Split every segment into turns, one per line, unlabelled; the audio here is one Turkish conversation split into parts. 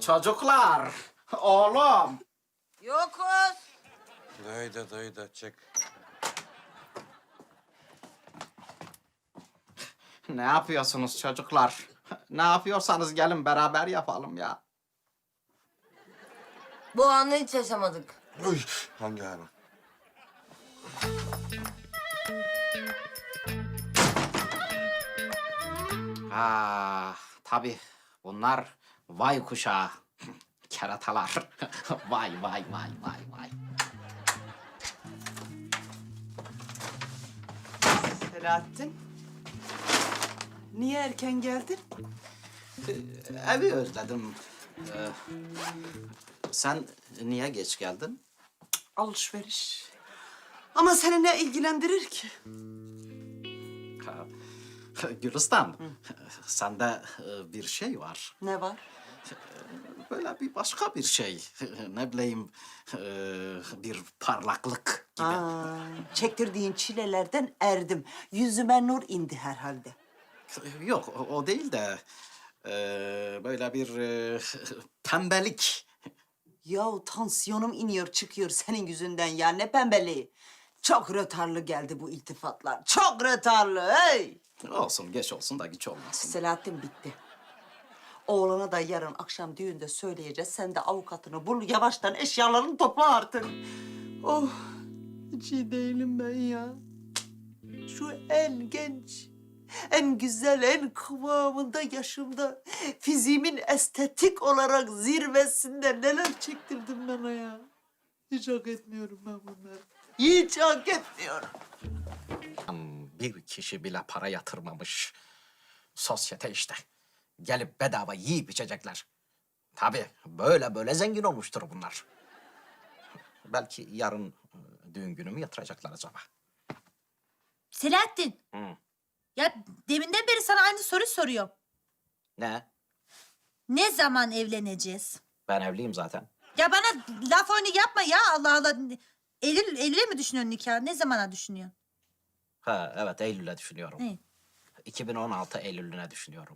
Çocuklar, oğlum.
Yokuz.
Duydu, çık.
Ne yapıyorsunuz çocuklar? Ne yapıyorsanız gelin beraber yapalım ya.
Bu anı hiç yaşamadık.
Uy, hangi hanım?
Tabii bunlar vay kuşağı. Keratalar. Vay.
Selahattin, niye erken geldin?
Evi özledim. Sen niye geç geldin?
Alışveriş. Ama seni ne ilgilendirir ki?
Ha, Gülistan, sende bir şey var.
Ne var?
Böyle bir başka bir şey. Ne bileyim, bir parlaklık gibi.
Çektirdiğin çilelerden erdim. Yüzüme nur indi herhalde.
Yok, o değil de böyle bir pembelik.
Yahu tansiyonum iniyor çıkıyor senin yüzünden ya. Ne pembeliği. Çok rötarlı geldi bu iltifatlar. Çok rötarlı hey!
Olsun, geç olsun da güç olmasın.
Selahattin bitti. Oğlana da yarın akşam düğünde söyleyeceğiz. Sen de avukatını bul, yavaştan eşyalarını topla artık. Oh, hiç iyi değilim ben ya. Şu en genç, en güzel, en kıvamında yaşımda... ...fiziğimin estetik olarak zirvesinde neler çektirdim bana ya. Hiç hak etmiyorum ben bunları. Hiç hak etmiyorum.
Bir kişi bile para yatırmamış. Sosyete işte. Gelip bedava yiyip içecekler. Tabii böyle zengin olmuştur bunlar. Belki yarın düğün günümü yatıracaklar acaba.
Selahattin.
Hı.
Ya deminden beri sana aynı soru soruyorum.
Ne?
Ne zaman evleneceğiz?
Ben evliyim zaten.
Ya bana laf oyunu yapma ya Allah Allah. Eylül'e mi düşünüyorsun nikah? Ne zamana düşünüyorsun?
Ha evet, Eylül'e düşünüyorum.
Ne?
2016 Eylül'üne düşünüyorum.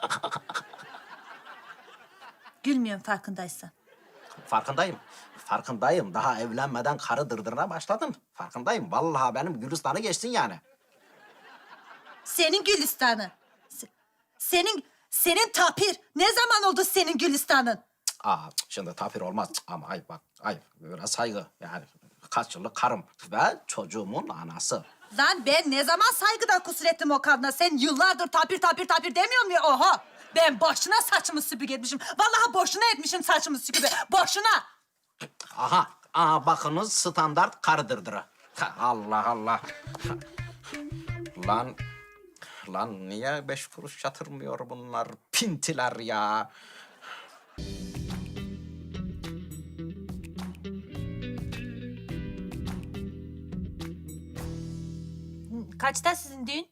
Gülmüyorum farkındaysan.
Farkındayım. Daha evlenmeden karı dırdırına başladın. Farkındayım. Vallahi benim Gülistan'ı geçtin yani.
Senin Gülistan'ı. Senin tapir. Ne zaman oldu senin Gülistan'ın?
Şimdi tapir olmaz. Ama ayıp bak. Ayıp. Biraz saygı. Yani kaç yıllık karım ve çocuğumun anası.
Lan ben ne zaman saygıdan kusur ettim o kadına? Sen yıllardır tapir demiyor musun? Oha! Ben boşuna saçımı süpürge etmişim. Vallahi boşuna etmişim saçımı süpürge. Boşuna!
Aha bakınız standart karı dırdırı. Allah. Lan niye 5 kuruş yatırmıyor bunlar? Pintiler ya.
Kaçta sizin düğün?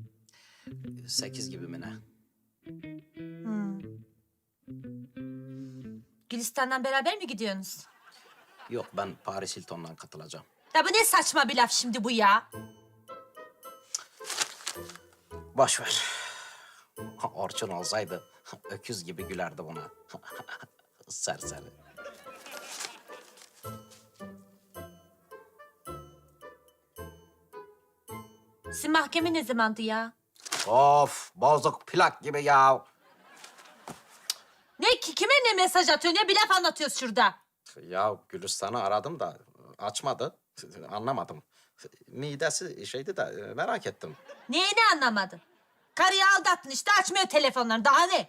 8 gibi mi ne?
Gülistan'dan beraber mi gidiyorsunuz?
Yok, ben Paris Hilton'dan katılacağım.
Ya bu ne saçma bir laf şimdi bu ya?
Boş ver. Orçun olsaydı öküz gibi gülerdi buna. Serseri.
Sizin mahkeme ne zamandı ya?
Of, bozuk plak gibi ya.
Kime ne mesaj atıyorsun ya? Bir laf anlatıyoruz şurada.
Ya Gülistan'ı aradım da açmadı. Anlamadım. Midesi şeydi de merak ettim.
Neyini anlamadın? Karıyı aldattın işte açmıyor telefonlarını. Daha ne?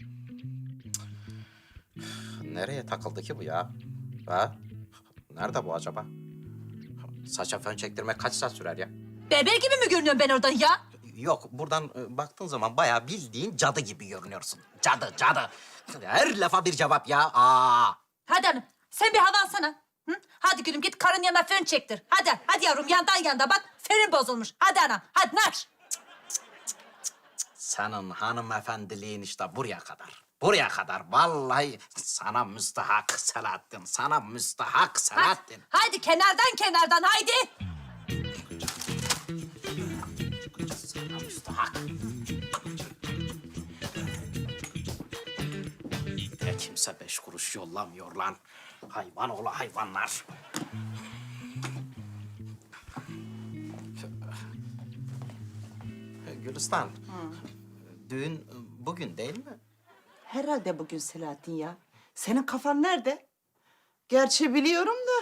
Nereye takıldı ki bu ya? Ha? Nerede bu acaba? Saça fön çektirmek kaç saat sürer ya?
Bebe gibi mi görünüyorum ben oradan ya?
Yok, buradan baktığın zaman bayağı bildiğin cadı gibi görünüyorsun. Cadı. Her lafa bir cevap ya.
Hadi hanım sen bir hava alsana. Hı? Hadi gülüm git karın yanına fön çektir. Hadi yavrum yandan bak fönün bozulmuş. Hadi anam hadi nar.
Senin hanımefendiliğin işte buraya kadar. Buraya kadar. Vallahi sana müstahak Selahattin. Sana müstahak Selahattin.
Hadi kenardan haydi.
Sana müstahak. Kimse kimse 5 kuruş yollamıyor lan. Hayvan oğlu hayvanlar. Gülistan, düğün bugün değil mi?
Herhalde bugün Selahattin ya. Senin kafan nerede? Gerçi biliyorum da.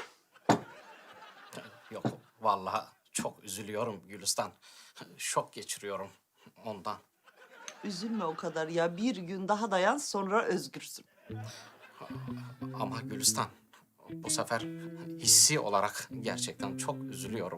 Yok, vallahi çok üzülüyorum Gülistan. Şok geçiriyorum ondan.
Üzülme o kadar ya. Bir gün daha dayan sonra özgürsün.
Ama Gülistan, bu sefer hissi olarak gerçekten çok üzülüyorum.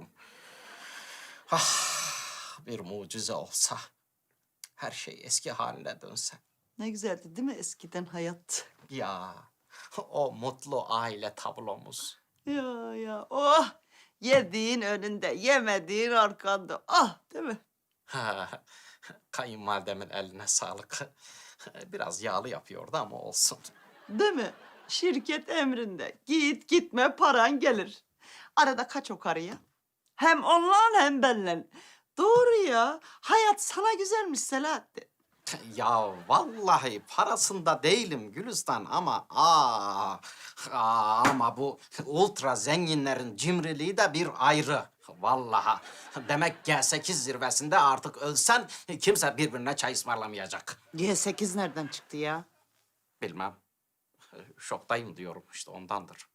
Ah, bir mucize olsa, her şey eski haline dönse.
Ne güzeldi değil mi eskiden hayat?
Ya, o mutlu aile tablomuz.
Ya oh yediğin önünde yemediğin arkanda ah değil mi?
Kayınvalidemin eline sağlık. Biraz yağlı yapıyordu ama olsun.
Değil mi? Şirket emrinde git gitme paran gelir. Arada kaç o karıya? Hem onunla hem benle. Doğru ya. Hayat sana güzelmiş Selahattin.
Ya vallahi parasında değilim Gülistan ama ama bu ultra zenginlerin cimriliği de bir ayrı. Vallahi demek G8 zirvesinde artık ölsen kimse birbirine çay ısmarlamayacak.
G8 nereden çıktı ya?
Bilmem. Şoktayım diyorum işte ondandır.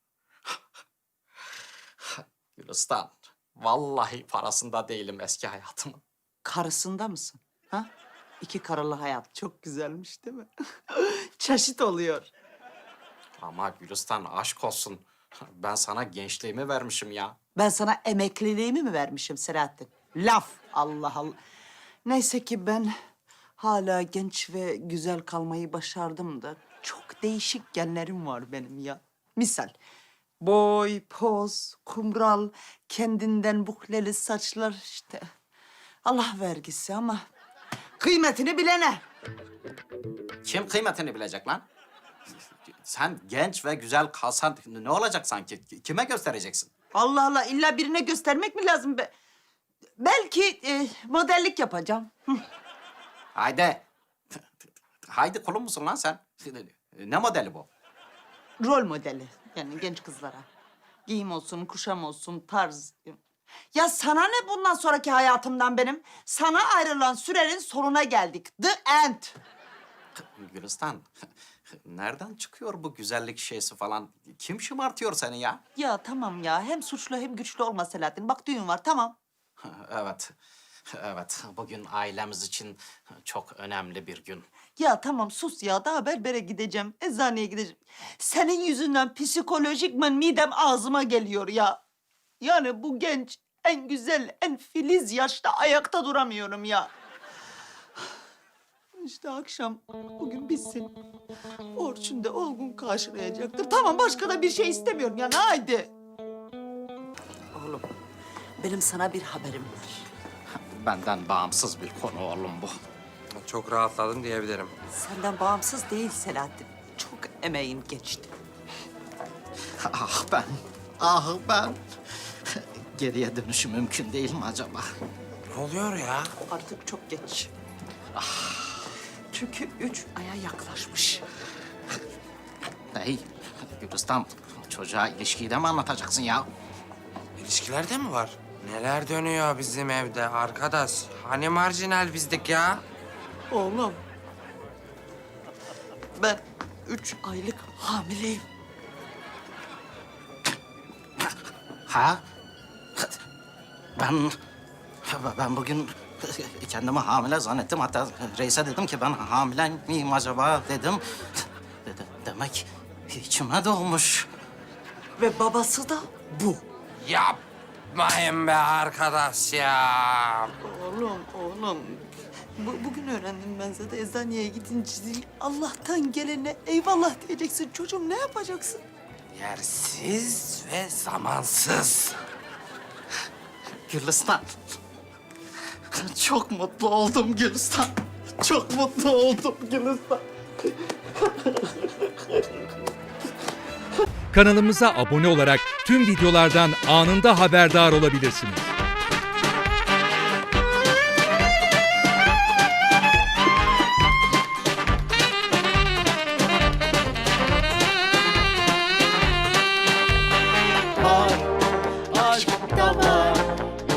Gülistan, vallahi parasında değilim eski hayatımın.
Karısında mısın? Ha? 2 karılı hayat çok güzelmiş değil mi? Çeşit oluyor.
Ama Gülistan aşk olsun. Ben sana gençliğimi vermişim ya.
Ben sana emekliliğimi mi vermişim Selahattin? Laf Allah Allah. Neyse ki ben hala genç ve güzel kalmayı başardım da çok değişik genlerim var benim ya. Misal boy, poz, kumral, kendinden bukleli saçlar işte. Allah vergisi ama kıymetini bilene.
Kim kıymetini bilecek lan? Sen genç ve güzel kalsan ne olacak sanki? Kime göstereceksin?
Allah Allah illa birine göstermek mi lazım be? Belki modellik yapacağım.
Haydi. Haydi kulun musun lan sen? Ne modeli bu?
Rol modeli yani genç kızlara. Giyim olsun, kuşam olsun, tarz. Ya sana ne bundan sonraki hayatımdan benim? Sana ayrılan sürenin sonuna geldik. The end.
Gülistan, nereden çıkıyor bu güzellik şeysi falan? Kim şımartıyor seni ya?
Ya tamam ya hem suçlu hem güçlü olma Selahattin. Bak düğün var tamam.
Evet, evet. Bugün ailemiz için çok önemli bir gün.
Ya tamam sus ya daha berbere gideceğim, eczaneye gideceğim. Senin yüzünden psikolojikmen midem ağzıma geliyor ya. Yani bu genç, en güzel, en filiz yaşta ayakta duramıyorum ya. İşte akşam bugün bitsin. Orçun da Olgun karşılayacaktır. Tamam başka da bir şey istemiyorum yani haydi. Oğlum benim sana bir haberim var.
Benden bağımsız bir konu oğlum bu.
Çok rahatladım diyebilirim.
Senden bağımsız değil Selahattin. Çok emeğin geçti.
Ah ben. Geriye dönüşü mümkün değil mi acaba?
Ne oluyor ya?
Artık çok geç. Çünkü 3 aya yaklaşmış.
Hey, Gülistan, çocuğa ilişkiyi de mi anlatacaksın ya?
İlişkilerde mi var? Neler dönüyor bizim evde arkadaş? Hani marjinal bizdik ya?
Oğlum. Ben 3 aylık hamileyim.
Ha? Ben bugün kendimi hamile zannettim. Hatta reise dedim ki ben hamile miyim acaba dedim. Demek içime doğmuş.
Ve babası da bu.
Yapmayın be arkadaş ya.
Oğlum. Bugün öğrendim ben zaten eczaneye gidince. Allah'tan gelene eyvallah diyeceksin. Çocuğum ne yapacaksın?
Yersiz ve zamansız.
Gülistan. Çok mutlu oldum Gülistan. Çok mutlu oldum Gülistan.
Kanalımıza abone olarak tüm videolardan anında haberdar olabilirsiniz.